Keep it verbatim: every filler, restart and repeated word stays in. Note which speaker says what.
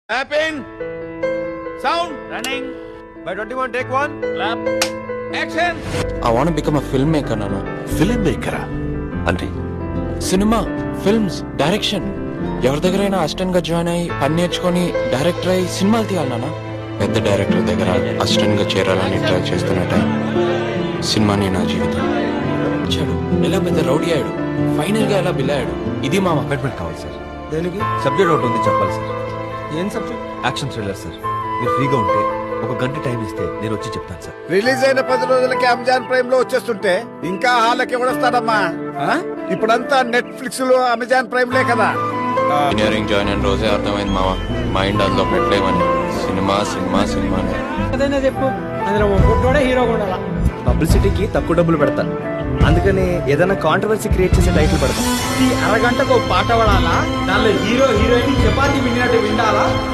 Speaker 1: Happen. Sound.
Speaker 2: Running.
Speaker 3: By twenty-one, take one.
Speaker 2: Clap.
Speaker 1: Action.
Speaker 4: I want to become a filmmaker, Nana.
Speaker 3: Film మేకరా అంటే
Speaker 4: సినిమా films direction ఎవరి దగ్గరైనా assistant గా join అయ్యి పని నేర్చుకొని డైరెక్టర్ అయ్యి సినిమాలు తీయాలి నాన్న. పెద్ద డైరెక్టర్ దగ్గర అసిస్టెంట్ గా చేరాలని ట్రై చేస్తున్న టైం సినిమాని నా జీవితం వచ్చాడు. ఎలా పెద్ద రౌడీ అయ్యాడు, ఫైనల్ గా ఎలా బిల్లాడు. ఇది మా
Speaker 3: అపాయింట్మెంట్ కావాలి సార్.
Speaker 5: దేనికి?
Speaker 3: సబ్జెక్ట్ ఒకటి ఉంది చెప్పాలి సార్.
Speaker 5: ఏం సబ్జెక్ట్?
Speaker 3: Action thriller sir. మీరు ఫ్రీగా ఉంటే ఒక గంట టైం ఇస్తే నేను వచ్చి చెప్తాను సార్.
Speaker 1: రిలీజ్ అయిన పది రోజులకి అమెజాన్ ప్రైమ్ లో వచ్చేస్తుంటే ఇంకా హాల్కి ఎవడొస్తాడమ్మా? ఆ? ఇప్పుడంతా నెట్ఫ్లిక్స్ లో అమెజాన్ ప్రైమ్ లే కదా.
Speaker 4: ఇంజనీరింగ్ జాయిన్ అయిన రోజే అర్థమైంది మామ, మైండ్ అందులో పెట్టలేమని. సినిమా సినిమా సినిమా
Speaker 5: అదైనా చెప్పు, అందులో ఫోటోడే హీరోగా ఉండాలా.
Speaker 6: పబ్లిసిటీకి తక్కువ డబ్బులు పెడతాను, అందుకని ఏదైనా కాంట్రవర్సీ క్రియేట్ చేసే టైటిల్ పెడతాను.
Speaker 5: ఈ అరగంటకు పాట పడాలా, దానిలో హీరో హీరోయిన్ చపాతీ విన్నట్టు విండాలా.